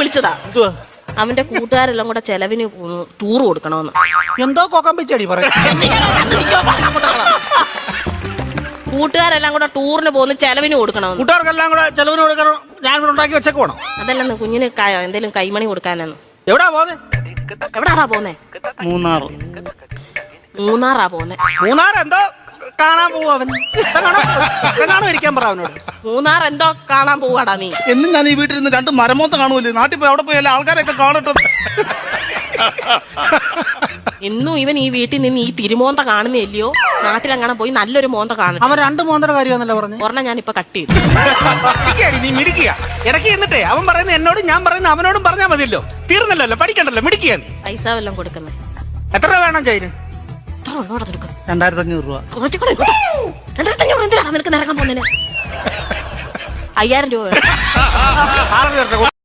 വിളിച്ചതാ. അവന്റെ കൂട്ടുകാരെല്ലാം കൂടെ ചെലവിന് ടൂർ കൊടുക്കണമെന്ന്. എന്തോ കൊക്കമ്പിച്ചടി പറയും. കൂട്ടുകാരെല്ലാം കൂടെ ടൂറിന് പോകുന്ന ചെലവിന് കൊടുക്കണമെന്ന്. കൂട്ടുകാർക്കെല്ലാം കൂടെ ചെലവിന് കൊടുക്കണം. ഞാൻ ഇവിടെ ഉണ്ടാക്കി വെച്ചേക്ക് വേണം. അതല്ലെന്ന് കുഞ്ഞിന് എന്തേലും കൈമണി കൊടുക്കാനെന്ന്. എവിടാ പോന്നെ? എവിടാടാ പോന്നെ? മൂന്നാറാ പോന്നെ. മൂന്നാർ എന്തോ കാണാൻ പോവാ അവൻ. ഇരിക്കാൻ പറ അവനോട്. മൂന്നാർ എന്തോ കാണാൻ പോവാടാ നീ. എന്നും ഞാൻ ഈ വീട്ടിൽ നിന്ന് 2 മരമോത്ത കാണുമല്ലോ. നാട്ടിൽ പോയി അവിടെ പോയി എല്ലാ ആൾക്കാരെയൊക്കെ കാണട്ടെ. ഇന്നും ഇവൻ ഈ വീട്ടിൽ നിന്ന് ഈ തിരുമോന്ത കാണുന്നില്ലയോ? നാട്ടിലെങ്ങനെ പോയി നല്ലൊരു മോന്ത കാണും. അവൻ 2 മോന്തയുടെ കാര്യമാണല്ലോ പറഞ്ഞു. ഒരെണ്ണം ഞാൻ ഇപ്പൊ കട്ട് ചെയ്തു. നീ മിടിക്കുക. ഇടയ്ക്ക് എന്നിട്ടേ അവൻ പറയുന്നത് എന്നോടും ഞാൻ പറയുന്നത് അവനോടും പറഞ്ഞാൽ മതിയല്ലോ. തീർന്നല്ലോ, പഠിക്കണ്ടല്ലോ, മിടിക്കുക. പൈസ വല്ലതും കൊടുക്കുന്നത് എത്ര രൂപ വേണം ചൈന്? 2500 രൂപ. 2500 എന്തിനാണ് നിനക്ക് നിരക്കാൻ പോകുന്നതിന്? 5000 രൂപ.